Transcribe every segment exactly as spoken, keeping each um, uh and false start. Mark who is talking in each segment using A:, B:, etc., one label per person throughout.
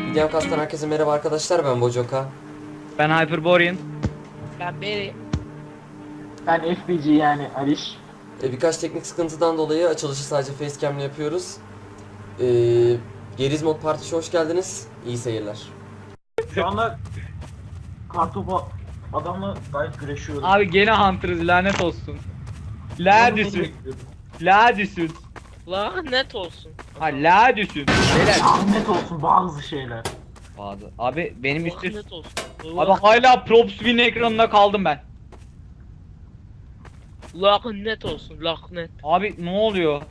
A: Videomcast'tan herkese merhaba arkadaşlar, ben Bojoka.
B: Ben Hyperborean.
C: Ben Beri.
D: Ben F B G yani Aliş.
A: Ee, birkaç teknik sıkıntıdan dolayı açılışı sadece facecam'le yapıyoruz. Ee, Geriz Mod Partiş'e hoş geldiniz. İyi seyirler.
D: Şu anda kartopu adamla gayet güreşiyoruz.
B: Abi gene Hunter'ız, lanet olsun. La düşün. La düşün.
C: Lanet olsun.
B: Ha la düşün. Beyler.
D: Lanet olsun bazı şeyler.
B: Bazı. Abi benim üstü.
C: Lanet olsun.
B: Abi hala Props Win ekranında kaldım ben.
C: Lanet olsun. Lanet.
B: Abi ne oluyor?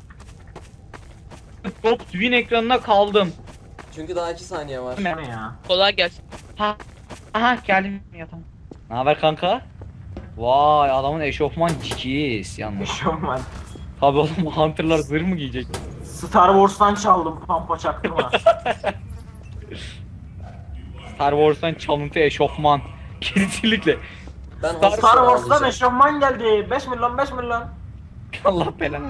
B: Props Win ekranına kaldım.
A: Çünkü daha iki saniye var.
D: Bu ne ya?
C: Kolay gelsin.
B: Ha. Aha geldim ya, tamam. Ne haber kanka? Vay, adamın eşofman cikiz yalnız.
D: Eşofman.
B: Tabii oğlum, Hunter'lar zırh mı giyecek?
D: Star Wars'tan çaldım, pampa çaktırma.
B: Star Wars'tan çalıntı eşofman. Kesinlikle.
A: Ben
B: Star-
A: hasta
D: Star Wars'tan
A: alacağım.
D: eşofman geldi. beş milyon beş milyon.
B: Allah belanı.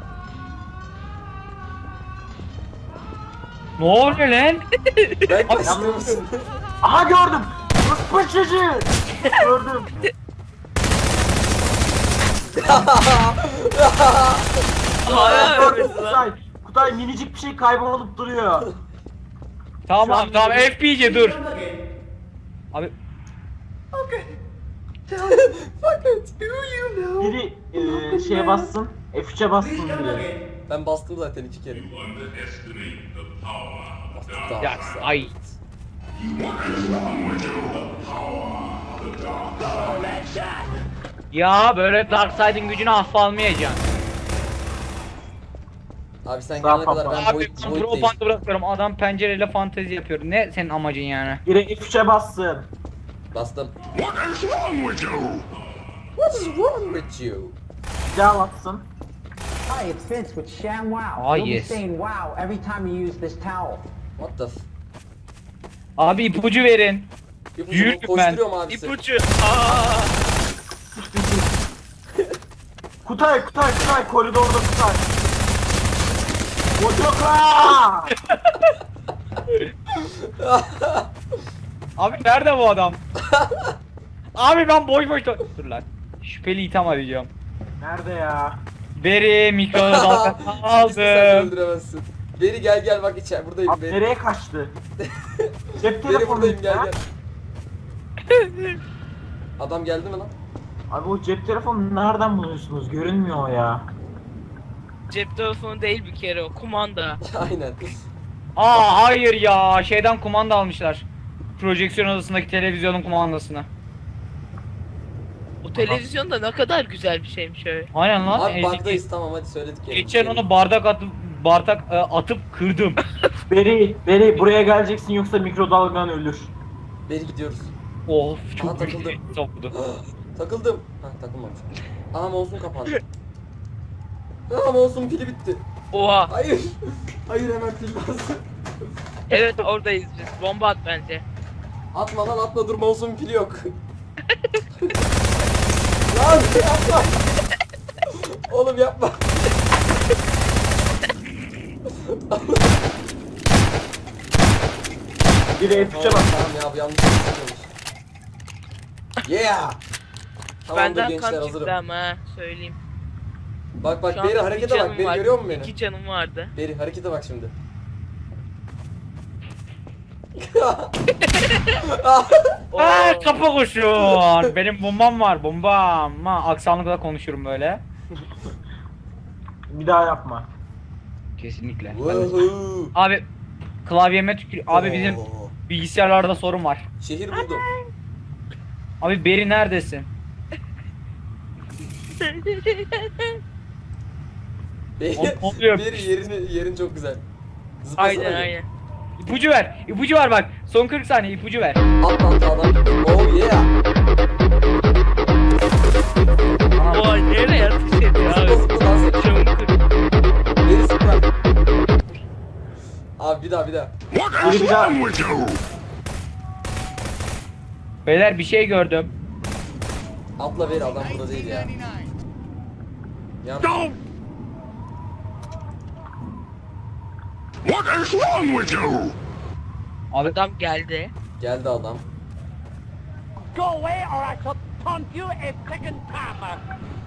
B: Ne oluyor lan?
A: Ben
B: Abi,
A: kaçtım mısın?
D: Aha gördüm. Rıspı çocuğu. Gördüm.
C: Hayır.
D: Gördüm Kutay. Kutay minicik bir şey kaybolup duruyor.
B: Tamam
D: Şu an-
B: abi, tamam F B C dur. Abi
D: Biri e, şeye bassın. F üç'e bassın biri.
A: Ben bastım zaten iki kere. Bastık daha.
B: ya ay. Ya böyle Darkseid'in gücünü hafife almayacaksın.
A: Abi sen
D: Sağ
A: gelene kadar ben
B: Abi
A: boyut,
B: ben
A: boyut
B: pro
A: değiştim.
B: bandı bırakıyorum. Adam pencereyle fantezi yapıyor. Ne senin amacın yani?
D: Biri F üç'e bassın.
A: Bastım.
E: What is wrong with you?
A: What is wrong with you?
D: Bir daha bassın.
F: Hi, it's Vince with ShamWow.
B: Ah,
F: You'll
B: yes.
F: be saying wow every time you use this towel.
A: What the f...
B: Abi ipucu verin.
A: İpucu
B: Yürü
A: bu,
B: ben.
A: koşturuyorum abisi.
C: İpucu. Aa.
D: Kutay, Kutay, Kutay, koridorda Kutay. Bojoka!
B: Abi nerede bu adam? Abi ben boş boş do- Dur lan. Şüpheli itham arayacağım.
D: Nerede ya?
B: Beri mikrodalga
A: Şimdi sen de
B: aldım.
A: öldüremezsin. Beri gel gel bak içeri buradayım
D: Abi
A: Beri.
D: nereye kaçtı? Cep
A: Beri
D: telefonu
A: buradayım gel
D: ya.
A: gel. Adam geldi mi lan?
D: Abi o cep telefonu nereden buluyorsunuz? Görünmüyor o ya.
C: Cep telefonu değil bir kere o. Kumanda.
A: Aynen.
B: Aa hayır ya, şeyden kumanda almışlar. Projeksiyon odasındaki televizyonun kumandasını.
C: O televizyon da ne kadar güzel bir şeymiş öyle.
B: Aynen lan.
A: Abi
B: ezik-
A: bug'dayız tamam hadi söyledik ya.
B: Geçen onu bardak atıp bardak e, atıp kırdım.
D: Beri, Beri buraya geleceksin yoksa mikrodalgan ölür.
A: Beri gidiyoruz.
B: Of
A: Aha,
B: çok
A: takıldım.
B: büyük soktu.
A: Takıldım. Ha takılmamış. Aha mouse'um kapandı. Aha mouse'um pili bitti.
C: Oha.
A: Hayır. Hayır hemen pil bas.
C: Evet oradayız biz. Bomba at bence.
A: Atma lan atma dur mouse'umun pili yok. Lan yapma. Oğlum yapma.
D: Biri F üç'e
A: Tamam,
D: bas.
A: tamam ya bu yanlış yapıyormuş. Yeah. Tamamdır
C: Benden
A: gençler
C: kan çıktı
A: hazırım.
C: ama ha, söyleyeyim.
A: Bak bak
C: Şu
A: Beri
C: an
A: harekete
C: iki
A: bak.
C: canım
A: Beri
C: var.
A: görüyor musun beni?
C: İki canım vardı.
A: Beri harekete bak şimdi.
C: Oo.
B: Aa kapı koşuyor. Benim bombam var, bombam. Ha, aksanlıkla konuşurum böyle.
D: Bir daha yapma.
B: Kesinlikle. Ben de-
A: Woohoo.
B: Abi klavyeme tükür. Abi bizim
A: Oo.
B: bilgisayarlarda sorun var.
A: Şehir buldum.
B: Abi Beri neredesin?
A: Beri,
B: O- oluyor.
A: Beri yerini yerin çok güzel. Zıplasana
C: Aynen
A: bir.
C: aynen.
B: İpucu ver. İpucu ver bak. Son kırk saniye ipucu ver.
A: At lan sağdan. Oh yeah.
C: Oha nereye atış ediyor
A: Zıpla
C: abi.
A: zıpla dans et.
C: Camı kır.
A: Beri zıpla. Abi bir daha bir daha.
E: What is wrong with you?
B: Beyler bir şey gördüm.
A: Atla Beri adam burada değil ya. Ya
E: Don't! What is wrong with you?
B: Abi
C: Adam geldi.
A: Geldi adam.
G: Go away or I shall taunt you a second time.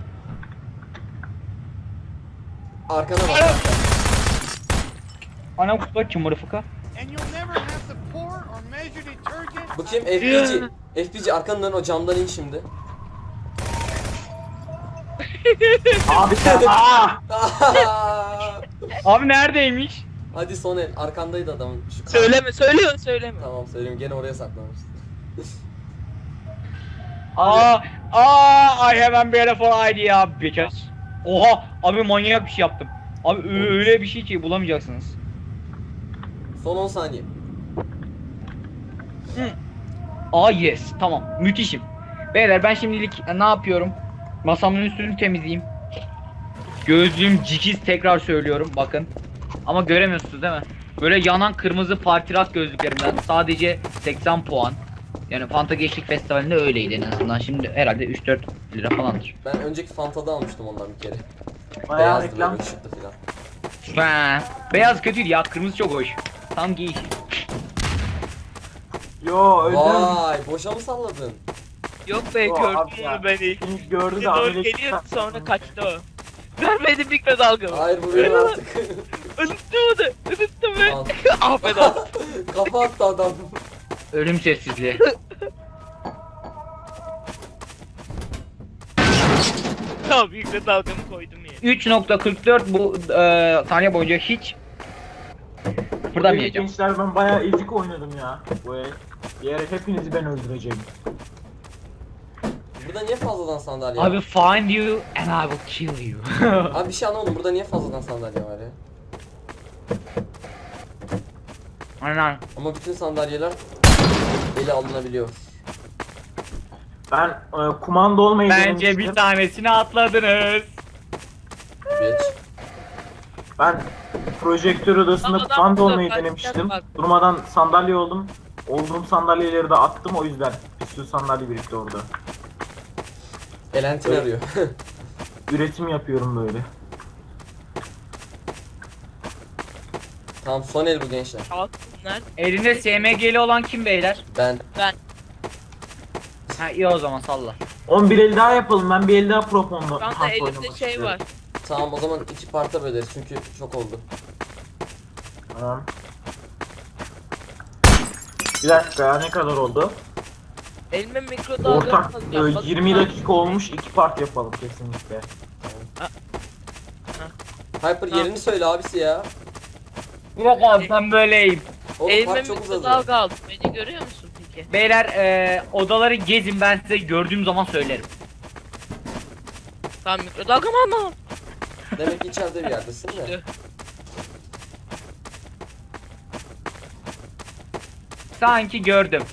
A: Arkana bak.
B: ana kutu kim mırfıka?
G: And you'll never have to pour or measure detergent.
A: Bu kim? F B G. F B G arkandan dön, o camdan in şimdi.
D: Abi sen aa!
B: Abi neredeymiş?
A: Hadi son el. Arkandaydı adamın. Şu kar-
C: Söyleme, söylüyor, söyleme.
A: Tamam söyleyeyim. Gene oraya saklamış.
B: Aa, aa, I have a beautiful idea bitches. Oha, abi manyak bir şey yaptım. Abi ö- öyle bir şey ki bulamayacaksınız.
A: Son on saniye.
B: Aa yes, tamam, müthişim. Beyler ben şimdilik e, ne yapıyorum? Masamın üstünü temizleyeyim. Gözlüğüm cikiz, tekrar söylüyorum bakın. Ama göremiyorsunuz değil mi? Böyle yanan kırmızı partirak gözlüklerimden sadece seksen puan. Yani Fanta Gençlik Festivali'nde öyleydi en azından. Şimdi herhalde üç dört lira falandır.
A: Ben önceki Fanta'da almıştım ondan bir kere.
D: Bayağı
A: Beyazdı
D: reklam.
A: böyle ışıklı filan.
B: Ha, beyaz kötüydü ya, kırmızı çok hoş. Tam giy.
D: Yo öldüm.
A: Vay, boşa mı salladın?
C: Yok be,
D: Yo,
C: gördüm
D: abi ya.
C: onu ben ilk.
D: Şimdi gördü
C: Bir
D: de
C: doğru
D: ameliyat-
C: geliyor, sonra kaçtı o. Vermedi mikrodalga mı?
A: Hayır bu benim artık.
C: Unuttum onu, unuttum ben.
A: Al.
C: Affet olsun.
A: Kafa attı adam.
B: Ölüm sessizliği.
C: Tamam, mikrodalgamı koydum ya.
B: üç nokta kırk dört bu e, saniye boyunca hiç kıpırdamayacağım.
D: Gençler ben bayağı ezik oynadım ya. Bu el. Diğer el hepinizi ben öldüreceğim.
A: Burada niye fazladan sandalye var?
B: I will find you and I will kill you.
A: Abi bir şey anlamadım. Burada niye fazladan sandalye var ya?
B: Aynen.
A: Ama bütün sandalyeler ele alınabiliyor.
D: Ben e, kumanda olmayı
B: Bence
D: denemiştim.
B: bir tanesini atladınız.
A: Bitch.
D: Ben projektör odasında
C: Adam
D: kumanda
C: burada
D: olmayı
C: kaçacak
D: denemiştim.
C: bak.
D: Durmadan sandalye oldum. Olduğum sandalyeleri de attım, o yüzden bir sürü sandalye birikti orada.
A: Elentin arıyor.
D: Üretim yapıyorum böyle.
A: Tamam son el bu gençler.
C: Kalsınlar.
B: Elinde S M G'li olan kim beyler?
A: Ben.
B: Ha iyi o zaman salla.
D: on bir el daha yapalım. Ben bir el daha proponla
C: Şu anda elimde şey var.
A: Tamam o zaman iki parta böleriz çünkü çok oldu.
D: Tamam. Bir dakika ya, ne kadar oldu?
C: Elime mikrodalga
D: Ortak
C: fazla
D: e,
C: yapmadım.
D: yirmi dakika olmuş, iki part yapalım kesinlikle.
A: Hyper yerini söyle abisi ya.
B: Bir dakika abi ben böyleyim.
A: Oğlum
C: Elime
A: part çok uzadı.
C: mikrodalga aldım. Beni görüyor musun peki?
B: Beyler e, odaları gezin, ben size gördüğüm zaman söylerim.
C: Tamam, mikrodalgamı almam.
A: Demek ki içeride bir yerdesin de.
B: Sanki gördüm.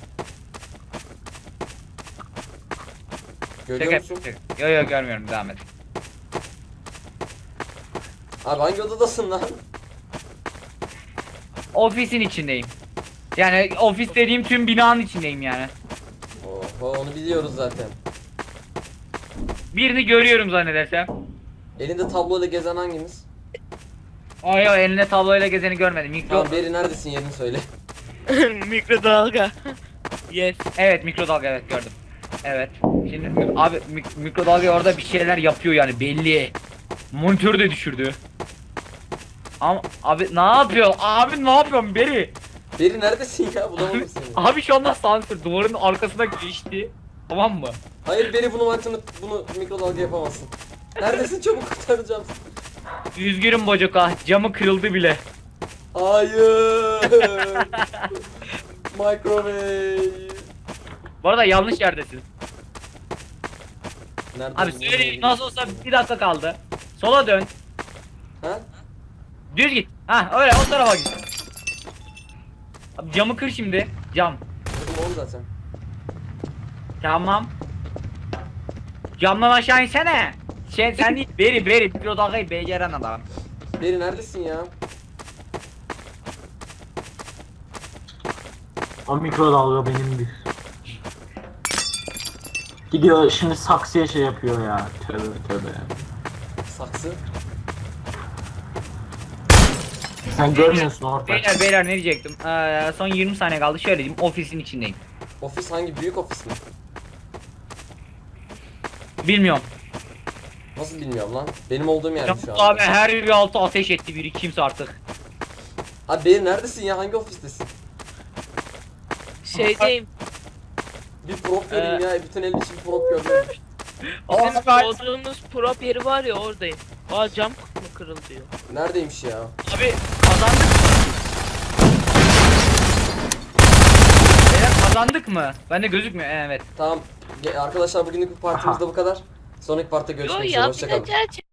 A: Görüyor
B: Şaka
A: musun?
B: yapıyorum. Yo yo görmüyorum, devam et.
A: Abi hangi odadasın lan?
B: Ofisin içindeyim. Yani ofis dediğim tüm binanın içindeyim yani.
A: Oho onu biliyoruz zaten.
B: Birini görüyorum zannedersem.
A: Elinde tabloyla gezen hangimiz?
B: Ay ay, eline tabloyla gezeni görmedim. Mikro...
A: Tamam Beri neredesin yerini söyle.
C: Mikrodalga. Yes.
B: Evet mikrodalga, evet gördüm. Evet. Şimdi abi mik- mikrodalga orada bir şeyler yapıyor yani belli. Monitörü de düşürdü. Ama abi ne yapıyor? Abi ne yapıyorsun Beri?
A: Beri neredesin ya bulamadım seni.
B: Abi şu anda sansür duvarın arkasına geçti. Tamam mı?
A: Hayır Beri bunu mantını bunu mikrodalga yapamazsın. Neredesin çabuk kurtaracağım seni.
B: Üzgünüm Bocoka, camı kırıldı bile.
A: Hayır. Microwave.
B: Bu arada yanlış yerdesin.
A: Nerede
B: Abi
A: bu?
B: söyle, nasıl olsa bir dakika kaldı. Sola dön.
A: Ha?
B: Düz git. Ha öyle, o tarafa git. Abi camı kır şimdi. Cam.
A: Kırdım oğlum zaten.
B: Tamam. Camdan aşağı insene. Sen sen değil. Beri beri mikrodalgayı beceren adam.
A: Beri neredesin ya?
D: O mikrodalga benimdir. Gidiyor şimdi saksıya şey yapıyor ya. Tövbe tövbe.
A: Saksı.
D: Sen görmüyorsun ortak.
B: Beyler beyler ne diyecektim? Ee, son yirmi saniye kaldı. Şöyle diyeyim, ofisin içindeyim.
A: Ofis hangi? Büyük ofis mi?
B: Bilmiyorum.
A: Nasıl bilmiyorum lan. Benim olduğum yer şu
B: Yavuz
A: an.
B: abi her bir altı ateş etti biri kimse artık.
A: Abi benim neredesin ya? Hangi ofistesin?
C: Şeydeyim.
A: Bir prop göreyim
B: Ee,
A: ya. Bütün el için prop görmüyorum.
C: Bizim
B: Aa,
C: olduğumuz prop yeri var ya, oradayım. Aa, cam mı kırıldı diyor.
A: Neredeymiş ya?
B: Abi kazandık mı? Beyler kazandık mı? Bende gözükmüyor. Evet.
A: Tamam. Ge- Arkadaşlar bugünlük bu partimizde bu kadar. Sonraki partta
C: Yo
A: görüşmek üzere.
C: ya, bir de
A: Hoşçakalın.
C: gerçek.